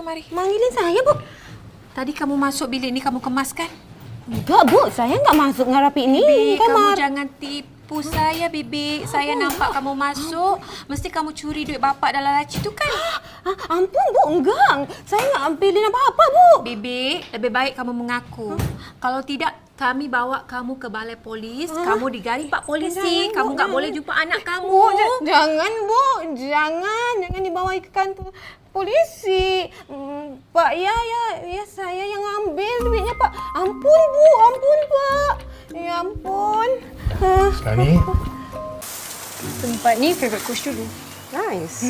kemari. Manggilin saya, Bu. Tadi kamu masuk bilik ni kamu kemas kan? Enggak, Bu. Saya enggak masuk ngarapi ni. Bibi, kamu kamar. jangan tipu saya, Bibi. Saya nampak kamu masuk. Mesti kamu curi duit bapak dalam laci tu kan? Ampun, Bu. Enggak. Saya enggak ambilin apa-apa, Bu. Bibi, lebih baik kamu mengaku. Kalau tidak, kami bawa kamu ke balai polis. Kamu digari Pak Polisi. Kamu enggak boleh jumpa anak kamu. Bu, jangan, Bu. Jangan dibawa ke kantor polisi. Pak, ya, saya yang ambil duitnya, Pak. Ampun, Bu. Ampun, Pak. Ya ampun. Sekarang ni, Tempat ni favourite coach dulu. Nice.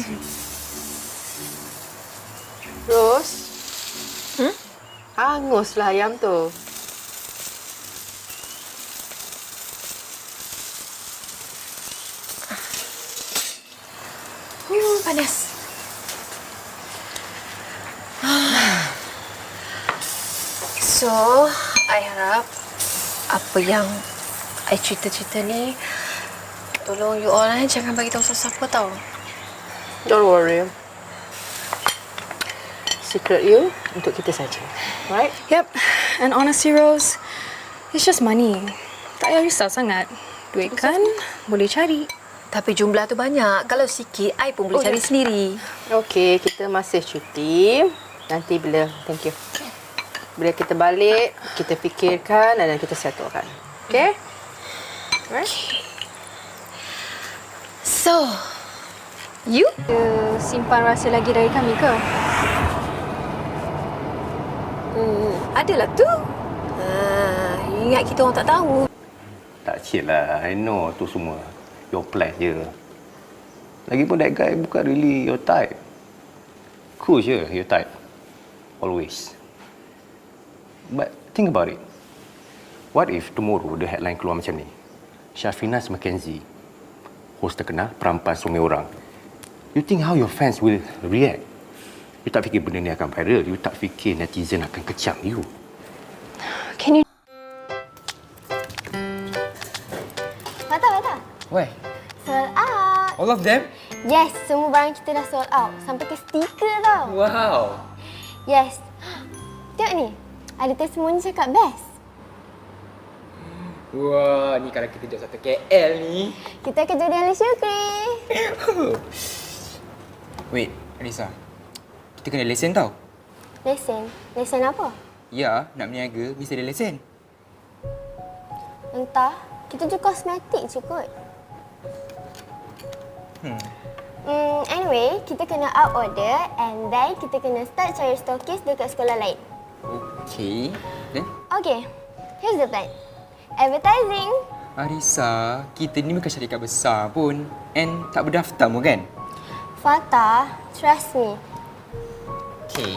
Rose. Hanguslah ayam tu. Panas. So, I harap apa yang I cerita-cerita ni tolong you all jangan bagi tahu siapa tahu. Don't worry. Secret you untuk kita saja. Right? Yep. And honestly, Rose, it's just money. Tak payah risau sangat. Duit kan boleh cari. Tapi jumlah tu banyak. Kalau sikit, I pun boleh cari sendiri. Okey, kita masih cuti. Nanti bila, thank you. Bila kita balik, kita fikirkan dan kita settlekan. Okey? Right? So, you? Simpan rahsia lagi dari kami ke? Adalah tu. Ingat kita orang tak tahu. tak cik lah. I know tu semua your plan je. Lagipun that guy bukan really your type. Cool je your type. Always. But think about it. What if tomorrow the headline keluar macam ni? Shafinas Mackenzie, host terkenal perampas suami orang. You think how your fans will react? You tak fikir benda ni akan viral. You tak fikir netizen akan kecam you. Can you... Mata. Weh, Sold out. all of them? Yes, semua barang kita dah sold out. Sampai ke stiker tau. Wow. Yes. Tengok ni. Ada testimoni cakap best. Wah, ni kalau kita jual satu KL ni. Kita kerja di Ali Syukri. Wait, Alisa. Kita kena lesen tau. Lesen? Lesen apa? Ya, nak berniaga mesti ada lesen. Entah. Kita jual kosmetik je kot. Anyway, kita kena up order and then kita kena start cari stokis dekat sekolah lain. Okay. Then? Okay, here's the plan. Advertising. Arisa, kita ni bukan syarikat besar pun. And tak berdaftar pun kan? Fatah, trust me. Okay.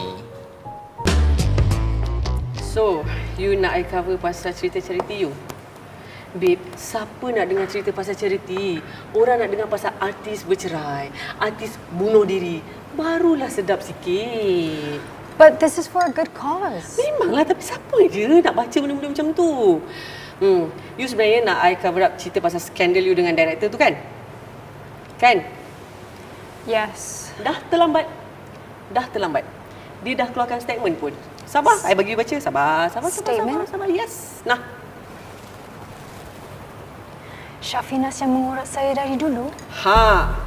So, you nak I cover pasal cerita charity you? Babe, siapa nak dengar cerita pasal charity? Orang nak dengar pasal artis bercerai, artis bunuh diri. Barulah sedap sikit. But this is for a good cause. Memanglah, tapi siapa je nak baca benda-benda macam tu? You sebenarnya nak I cover up cerita pasal skandal you dengan director tu kan? Kan? Yes. Dah terlambat. Dia dah keluarkan statement pun. Sabar, I bagi you baca. Sabar. Statement? Sabar. Yes. Nah. Shafinas yang mengurat saya dari dulu. Ha.